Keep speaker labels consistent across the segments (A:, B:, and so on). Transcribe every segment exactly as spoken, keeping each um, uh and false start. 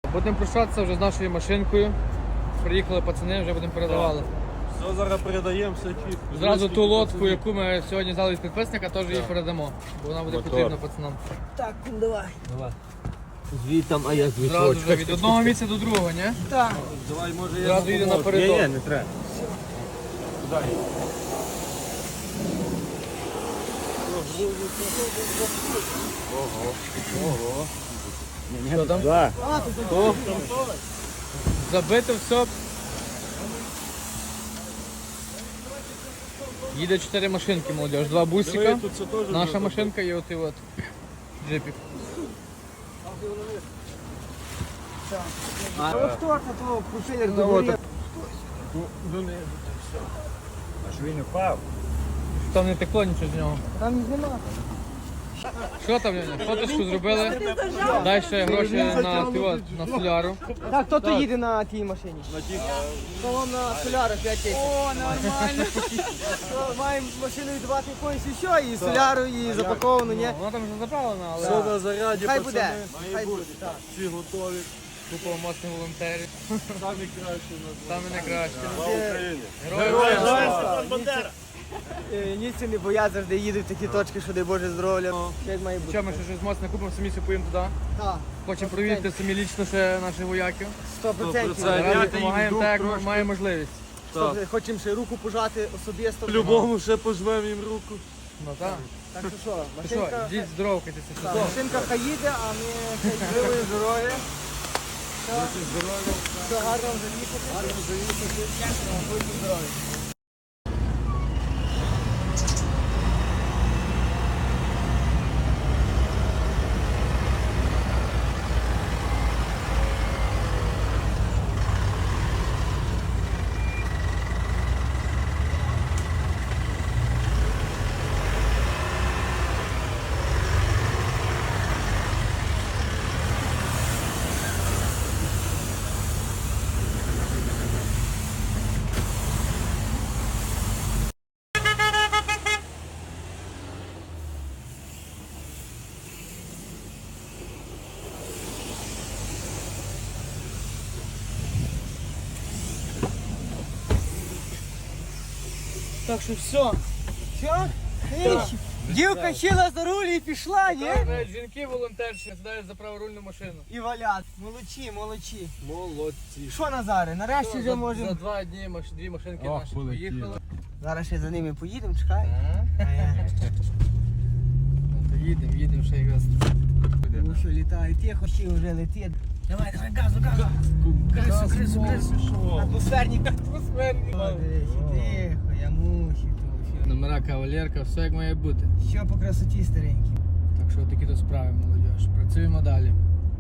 A: Будемо прощатися вже з нашою машинкою. Приїхали пацани, вже будемо передавали.
B: Все, зараз передаємо, все чітко.
A: Зразу ту лодку, яку ми сьогодні взяли від підписника, теж її передамо. Бо вона буде
B: Мотор.
A: потрібна пацанам.
C: Так, ну давай.
B: Давай. Звітам, а я звідси.
A: Зразу вже від одного місця до другого, ні?
C: Так.
B: Давай, може я
A: Зразу йде
B: допоможу.
A: напередок.
B: Ні, ні, не треба. Дай. Ого. Ого.
A: Що там?
B: Да.
C: А, тут
A: Забито все. Їде чотири машинки, молодіж. Два бусика,
B: Диви, тут це теж
A: наша
B: вже
A: машинка і от і от джипік.
C: А от хто це того пропелер
B: Ну,
C: догорів?
B: от. Ну, не. Аж він упав.
A: Там не текло нічого з нього.
C: Там нема.
A: Що там, Леня? Фоточку зробили. Дай ще гроші на, ти от, на соляру.
C: Так, хто то їде на тій машині?
B: На ті.
C: То вам на соляру п'ять тисяч. О, нормально. Маємо машину віддавати якоюсь і що, і соляру, і запаковану, ні?
A: Вона там вже заправлена,
B: Все
A: але
B: на заряді,
C: Хай
B: пацани.
C: буде.
B: Має
C: Хай
B: бути.
C: буде, так.
B: Всі готові.
A: купа моцних волонтерів.
B: Самі кращі у нас.
A: Саме найкраще.
B: Слава Україні.
A: Героям.
C: Е, Німці не боять, завжди їдуть в такі точки, що дай Боже здоров'я. Що як має бути.
A: Що ми ще щось моцне купимо, самі все поїмо туди.
C: Так,
A: Хочемо провірити самі лічно ще наших вояків.
C: сто процентів.
B: Це
A: Зараз
B: я
A: допомагаємо
B: їм
A: так, як
B: трошки.
A: маємо можливість.
B: Так.
C: Хочемо ще руку пожати особисто.
B: По-любому ще пожмемо їм руку.
A: Ну так.
C: Так що що,
A: Ти що,
C: машинка,
A: йдіть здоровкайтеся.
C: так, машинка хай їде, а ми хай живої здоров'я. Все гарно заїхати. Гарно заїхати. Будьте здорові. Так що все. Все? Ей, дівка сіла за руль і пішла, ні?
A: Навіть жінки волонтерші сідають за праворульну машину.
C: І валять. Молодці, молодці.
B: Молодці.
C: Що, Назаре, нарешті вже
A: За, за
C: можемо.
A: два дні маш- дві машинки
B: Ох,
A: наші
B: полетіли.
A: поїхали.
C: Зараз ще за ними поїдемо, чекай.
A: Ну, то їдемо, їдемо ще якраз.
C: Ну що, літає, тихо, всі вже летить. Давай, давай, газу, газу. Крису, крису, крису. Атмосферні.
A: Атмосферні.
C: Тихо, я мусю тут.
A: Номера кавалерка, все як має бути.
C: Що по красоті старенькі.
A: Так що такі то справи, молодіж. Працюємо далі.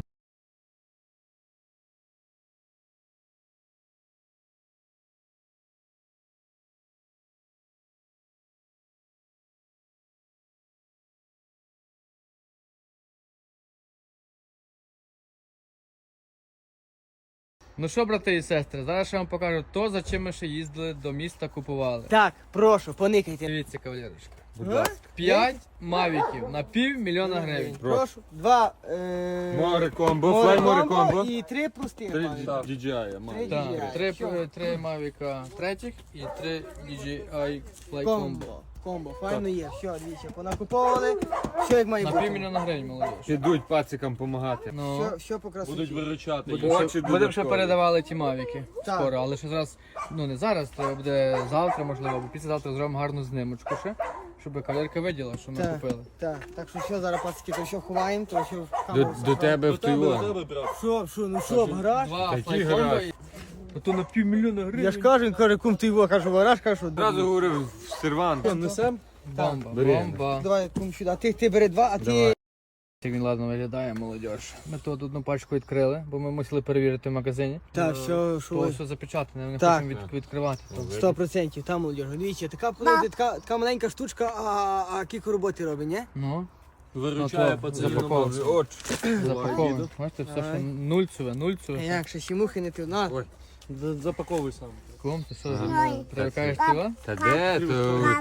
A: Ну що, брати і сестри, зараз я вам покажу то, за чим ми ще їздили до міста, купували.
C: Так, прошу, поникайте.
A: Дивіться, кавалерочка.
B: Будь ласка.
A: П'ять мавіків на пів мільйона гривень.
C: Прошу. Два. е,
B: Море комбо, флай море комбо.
C: І три простих.
B: Три
C: пане.
B: ді джей ай, має.
C: Три.
A: Так, три,
C: Що?
A: три мавіка третіх і три ді джей ай Fly Combo.
C: Комбо. Комбо, файно є. Все, дивіться, понакуповували. Все як має
A: На
C: бути.
A: пів мільйона гривень, молодіж.
B: Підуть пацикам допомагати.
A: Ну,
C: Все, все по красоті.
B: Будуть виручати.
A: будемо ще,
B: Очі
A: будемо ще
B: додаткові.
A: передавали ті мавіки
C: Так.
A: скоро, але ще зараз, ну не зараз, то буде завтра, можливо, або післязавтра зробимо гарну знимочку ще, щоб кавалерка виділа, що ми
C: Так.
A: купили.
C: Так, так що все, зараз пацики, то що ховаємо, то що в
B: До,
C: камеру.
B: до тебе в До тебе, до
A: ну,
B: тебе, той брат.
C: Що, що, ну що, в гараж?
A: Два
B: Такі
A: Fly Combo
B: гараж.
A: і... А то на пів мільйона гривень.
C: Я ж кажу, він каже, кум ти його, кажу, в гараж, кажу.
B: Одразу говорив в сервант. Несем?
A: Бомба,
B: Бери.
A: бомба.
C: Давай, кум сюди. Ти, ти бери два, а ти...
B: Давай.
A: Як він ладно виглядає, молодіж. Ми тут одну пачку відкрили, бо ми мусили перевірити в магазині.
C: Так, все, що
A: То
C: ви...
A: все запечатане, ми не
C: Так.
A: хочемо від, відкривати. То.
C: Сто процентів, там молодіж. Дивіться, така, подивіться, така, така маленька штучка, а, а кілька роботи робить, ні?
A: Ну,
B: Виручає
A: Ну, то
B: пацанів.
A: запаковується.
B: Очі.
A: запаковано. Бачите, все, що
C: Давай.
A: нульцеве,
C: А
A: нульцеве.
C: як, ще ще мухи не ти, на.
B: Ой. Запаковуй сам.
A: Кум, ти що,
B: Ага.
A: привикаєш ти,
B: Та де то?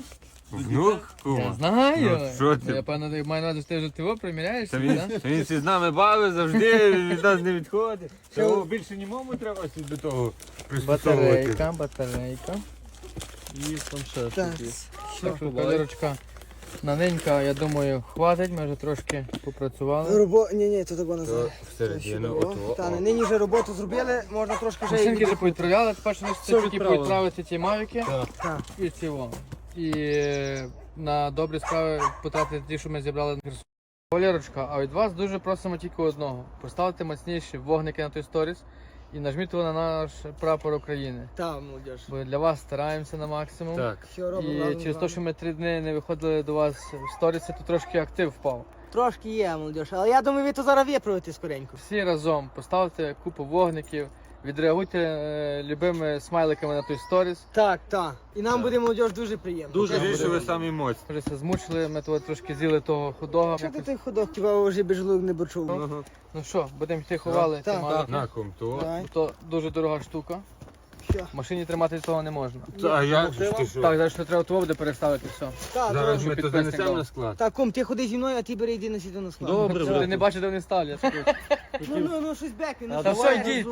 D: Внук,
A: Я
D: кума.
A: знаю.
D: Ну, що ти?
A: Ну, я певно маю на увазі, що ти вже ти його приміряєшся,
D: Та він,
A: так?
D: та він всі з нами бавить завжди, від нас не відходить. Того більше німому треба до того пристосовувати.
A: Батарейка, батарейка. І планшет.
C: Так.
A: такий.
C: Що?
A: Так що кольорочка наненька, я думаю, хватить, ми вже трошки попрацювали.
C: Робо... Ні, ні, то того
D: То
C: назад.
D: всередину ото.
C: Та, не, нині вже роботу зробили, можна трошки вже
A: Машинки
C: і
A: вже повідправляли, тепер що ми
B: Все
A: тільки
B: відправили.
A: повідправити ті мавіки
C: Так.
A: і ці во. І е, на добрі справи потратити ті, що ми зібрали на Херсон. Валерочка, а від вас дуже просимо тільки одного. Поставте міцніші вогники на той сторіс і нажміть його на наш прапор України.
C: Та, молодіж.
A: Бо для вас стараємося на максимум.
D: Так.
C: Що робимо?
A: І
C: разом з
A: через те,
C: вами.
A: що ми три дні не виходили до вас в сторіси, то трошки актив впав.
C: Трошки є, молодіж. Але я думаю, ви то зараз виправите скоренько.
A: Всі разом поставте купу вогників, відреагуйте е, любими смайликами на той сторіс.
C: Так, так. І нам буде, молодіж, дуже приємно.
D: Дуже
C: Чесно.
D: більше ви самі моцні.
A: Вже все змучили, ми того трошки з'їли того худого.
C: Що ти той ходок, хіба вже без желудок не бочув?
D: Ага.
A: Ну що, будемо йти ховали ті
C: Так.
A: мавики.
D: На ком то.
C: Давай.
A: То дуже дорога штука.
C: Що?
A: В машині тримати того не можна.
D: А як же ж ти що?
A: Так, зараз що треба того буде переставити все.
C: Так,
D: Зараз
C: добре.
D: ми то
A: підписник
D: занесемо
A: дав.
D: на склад.
C: Так, кум, ти ходи зі мною, а ти бери йди на сіду на склад.
B: Добре,
A: Ти
B: брат.
A: не бачиш, де вони ставлять.
C: Ну, ну, ну, щось бек, він
A: Та все, йдіть.